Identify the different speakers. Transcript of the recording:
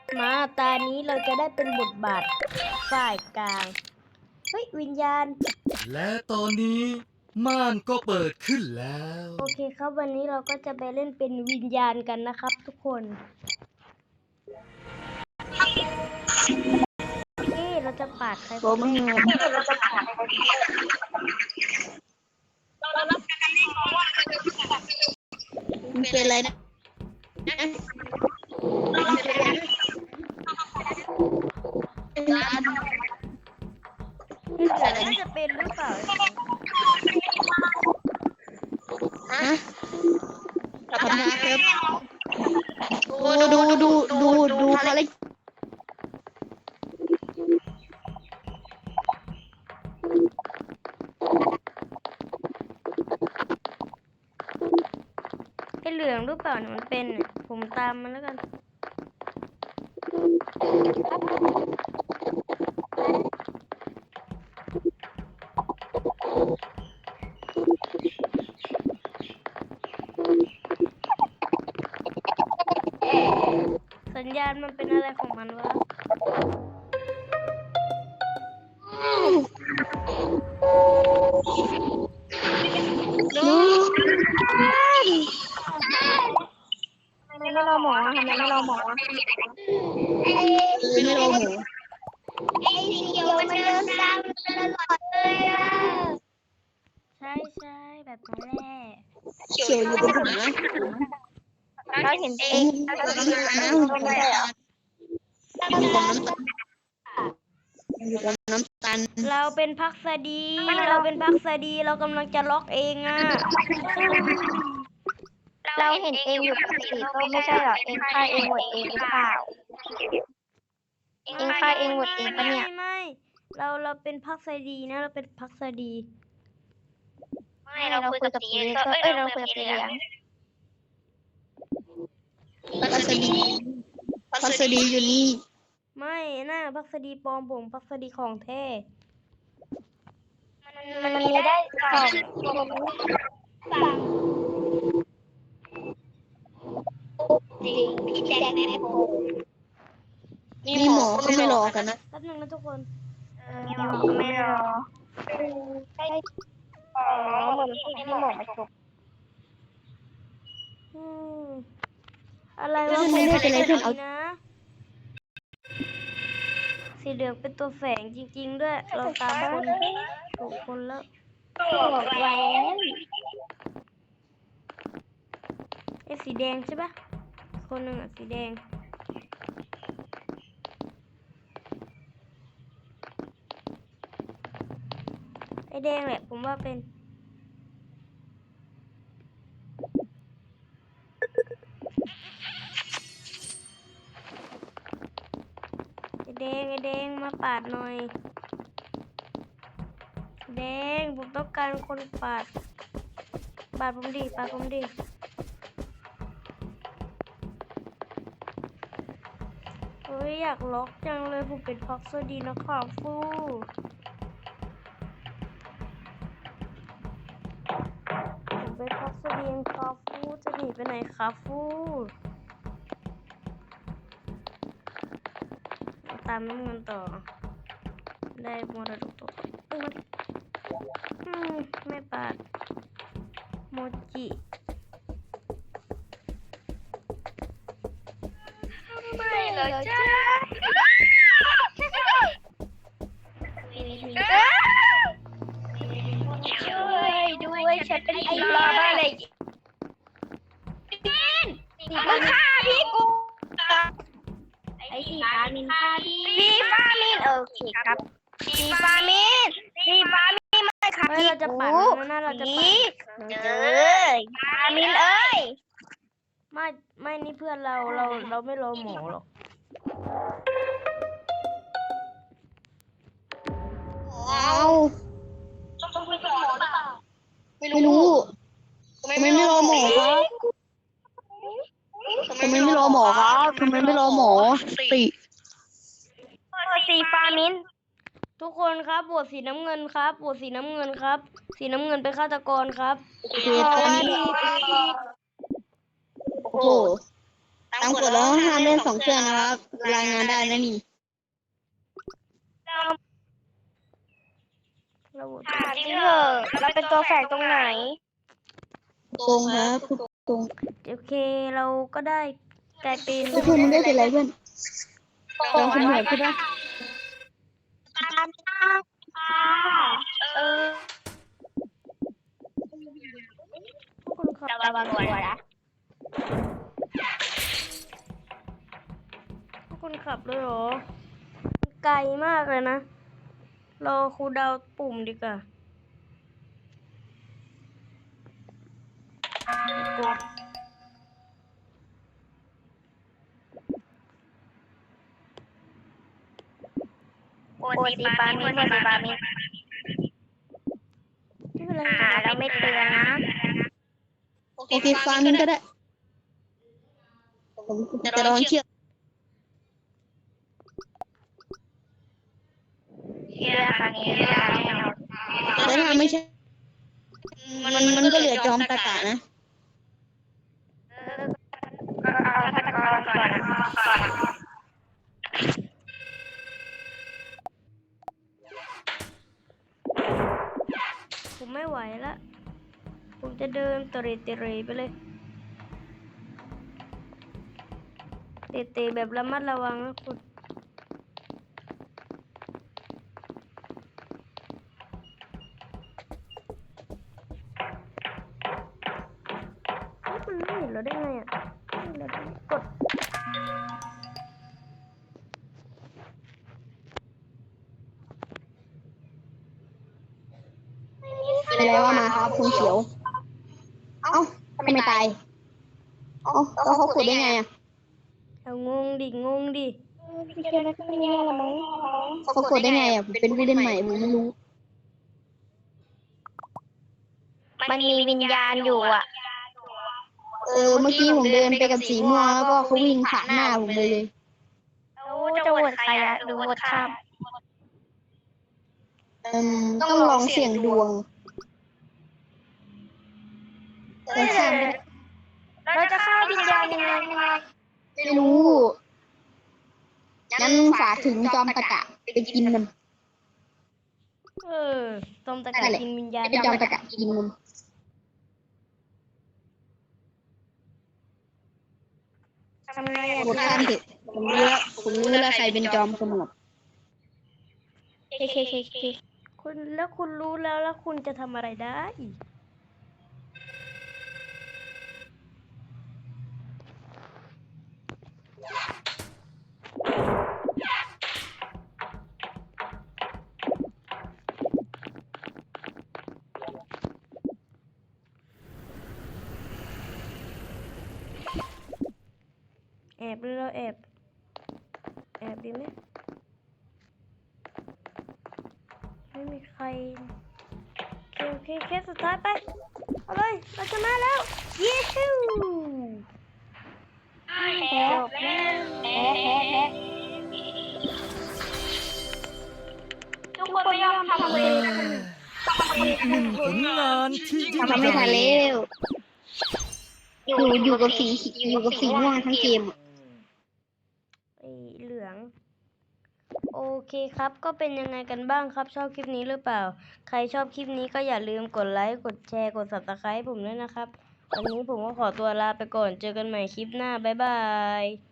Speaker 1: มาตานี้เราจะได้เป็นบทบาทฝ่ายกลางเฮ้ยวิญญาณ
Speaker 2: และตอนนี้ม่านก็เปิดขึ้นแล้ว
Speaker 1: โอเคครับวันนี้เราก็จะไปเล่นเป็นวิญญาณกันนะครับทุกคนเราจะปาดใครคนแรก
Speaker 3: มันเป็นอะไรนะ
Speaker 1: น่าจะเป็นหรือเปล่า
Speaker 3: ทำงานครับดูภารกิจ
Speaker 1: ไอ้เหลืองหรือเปล่าเนี่ยมันเป็นผมตามมันแล้วกันสัญญาณมันเป็นอะไรของมันวะ
Speaker 3: ไม่รอหมอทำไมไม่รอหมอไม่รอหมอ
Speaker 4: ไอ้สีเขียวมันเดินตามตลอดเลยอ่ะ
Speaker 1: ใช่แบบนั้นแหละ
Speaker 3: เขียวอยู่บนหัว
Speaker 4: เราเห็นเอง
Speaker 3: อยู่กับน้ำตาล
Speaker 1: เราเป็นพักษดีเรากำลังจะล็อกเองอ่ะ
Speaker 4: เราเห็นเองอยู่กับสีส้มไม่ใช่หรอเองฆ่าเองหมดเองหรือเปล่าเองฆ่าเองหมดเองปะเนี่ย
Speaker 1: ไม่เราเป็นพักษดีนะเราเป็นพักษดี
Speaker 4: ไม่เราคุยกับสีเราคุยกับสีเหลือง
Speaker 3: พัสดีอยู่นี่
Speaker 1: ไม่น่าพักษดีปลอมผมพักษดีของแท้
Speaker 4: มันมีได้สองจริงพี่แจ็คแม่โบ
Speaker 3: นี่หมอเขาไม่รอกันนะ
Speaker 1: แป๊บนึงนะทุกคน
Speaker 4: ไม่รอให้เหมือนให้หมอมาจบ
Speaker 1: อะไรวะผมไม่เป็นไรเพื่อนเอานะสีเหลืองเป็นตัวแฝงจริงๆด้วยเราตามคนถูกคนแล้ว
Speaker 4: บอกแหวน
Speaker 1: ไอ้สีแดงใช่ปะคนหนึ่งอ่ะสีแดงไอ้แดงแหละผมว่าเป็นไอ้แดงมาปาดหน่อยแดงผมต้องการคนปาดผมดิเฮ้ยอยากล็อกจังเลยผมเป็นพ็อกซ์ดีนะครับฟูผมเป็นพ็อกซ์ดีครับฟูจะหนีไปไหนครับฟูตามน้ำเงินต่อได้มรดกตัวไม่ปาดโมจิ
Speaker 4: ไม่เลยจ้าช่วยด้วยฉันเป็นไอ้ปลาบ้าเลยมึงฆ่าพี่กูไอ้สีฟ้ามินฆ่าพี่ฟ้ามินโอเคครับสีฟ้ามินไม่ค่ะ
Speaker 1: เราจะปาดนะเราจะปาด
Speaker 4: เอ้ยฟ้ามินเอ้ย
Speaker 1: ไม่นี่เพื่อนเราไม่รอหมอหรอก
Speaker 3: ไม่รู้ทำไมไม่รอหมอครับทำไมไม่รอหมอครับทำไมไม่รอหมอ
Speaker 4: สีฟ้ามิน
Speaker 1: ทุกคนครับบวชสีน้ำเงินครับบวชสีน้ำเงินครับสีน้ำเงินเป็นฆาตกรครับ
Speaker 3: โอเคตอนนี้โอ้โหตามกฎแล้วห้ามเล่น2 เครื่องนะครับรายงานได้นะนี่
Speaker 1: เราโหวต
Speaker 4: จริงเหรอเราเป็นตัวแฝงตรงไหน
Speaker 3: ตรงครับตรง
Speaker 1: โอเคเราก็ได้กลายเป็น
Speaker 3: เพื่อนมึงได้เป็นไรเพื่อนเราคุณเหนื่อยใช่ปะ
Speaker 1: คุณขับ
Speaker 4: ระวังตัวนะ
Speaker 1: คุณขับด้วยเหรอไกลมากเลยนะรอครูเดาปุ่มดีกว่า
Speaker 4: โอซีปามิน
Speaker 1: ไม่เป็นไร
Speaker 4: เราไม่เตือนนะ
Speaker 3: โอเคฟังก็ได้ผมจะลองเชื่อ
Speaker 4: เชื่อครั้งนี้เชื่อครั้งนี้
Speaker 3: แต่ถ้าไม่ใช่มันก็เหลือจอมตะกะนะ
Speaker 4: ก็เอาตะกอนก่อนนะ
Speaker 1: ผมไม่ไหวละผมจะเดินเตะไปเลยเตะแบบระมัดระวังนะคุณมันไม่เห็นเราได้ไงอ่ะเรากด
Speaker 3: เป็นไรว่ามาครับคุณเขียว เอ้าทำไมตายเอ้าแล้วเขาขุดได้ไงอ่ะ
Speaker 1: เอางงดิ
Speaker 3: เขาขุดได้ไงอ่ะผมเป็นผู้เล่นใหม่ผมไม่รู้
Speaker 4: มันมีวิญญาณอยู่อ่ะ
Speaker 3: เมื่อกี้ผมเดินไปกับสีม่วงแล้วก็เขาวิ่งผ่านหน้าผมเลย
Speaker 4: แล้วจะโหวตใครอะหรือโหวตข้าม
Speaker 3: ต้องลองเสี่ยงดวงแต่ข้ามไม่ได้
Speaker 4: เราจะฆ่าวิญญาณยังไง
Speaker 3: ไม่รู้ งั้นฝากถึงจอมตะกะไปกินมัน
Speaker 1: ตอมตะกะกินวิญญาณ
Speaker 3: ไปจอมตะกะกินมัน
Speaker 4: ทำไงอะ
Speaker 3: กดข้ามเถอะผมรู้แล้วใครเป็นจอมขมับ
Speaker 4: เค
Speaker 1: คุณแล้วคุณรู้แล้วคุณจะทำอะไรได้ แอบหรือเราแอบดีไหมไม่มีใครโอเคเคสสุดท้ายไป เอาเลยเราชนะแล้ว เย้ฮู้
Speaker 4: แพ้ทุกคนไม่ยอมทำเลย
Speaker 2: อีกหนึ่งผลงานที่ยิ่ง
Speaker 3: ทำ
Speaker 2: ให
Speaker 3: ไม่
Speaker 2: ญ่
Speaker 3: ทันแล้วอยู่กับสีม่วงทั้งเกม
Speaker 1: ไอ้เหลือง โอเคครับ ก็เป็นยังไงกันบ้างครับ ชอบคลิปนี้หรือเปล่า ใครชอบคลิปนี้ก็อย่าลืมกดไลค์ กดแชร์ กด Subscribe ผมด้วยนะครับ วันนี้ผมก็ขอตัวลาไปก่อน เจอกันใหม่คลิปหน้า บ๊ายบาย